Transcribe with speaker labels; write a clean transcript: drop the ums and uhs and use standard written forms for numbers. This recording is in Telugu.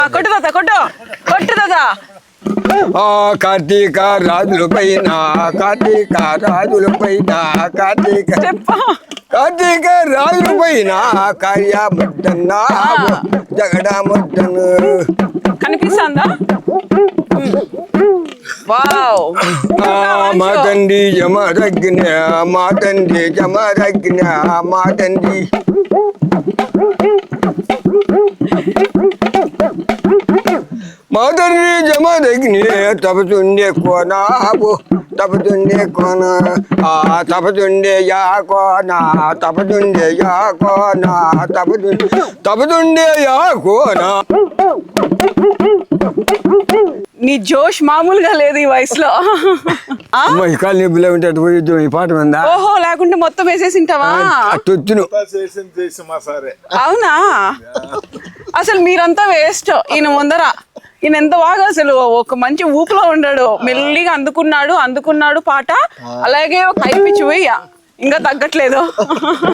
Speaker 1: కొట్టు తాత కొట్టు కొట్టు తాత.
Speaker 2: కార్తీక రాజుల పైన కార్తీక రాజుల పైన కార్తీక కార్తీక రాజుల పైన కార్యముద్దన్న జగడముద్దను
Speaker 1: కనిపిస్తుందా? వావ్.
Speaker 2: మా తండ్రి జమరగ్న మా తండ్రి జమరగ్న మా తండ్రి మా తండ్రి జమరగ్ని తపతుండే కోనాబు తపతుండే కోన తపతుండే యా కోన తపతుండే యా కోన తపతుండే యా కోన.
Speaker 1: నీ జోష్ మామూలుగా లేదు ఈ వయసులో.
Speaker 2: ఇకాల నిబ్బులే ఉంటే అటు పోయి ఈ పాట మందా.
Speaker 1: ఓహో, లేకుంటే మొత్తం వేసేసింటావా?
Speaker 2: తొత్తును
Speaker 1: అవునా? అసలు మీరంతా వేస్ట్. ఈయన ముందర ఈయన ఎంత బాగా అసలు ఒక మంచి ఊపులో ఉన్నాడు. మెల్లిగా అందుకున్నాడు పాట. అలాగే ఒక హై పిచ్ పోయి ఇంకా తగ్గట్లేదు.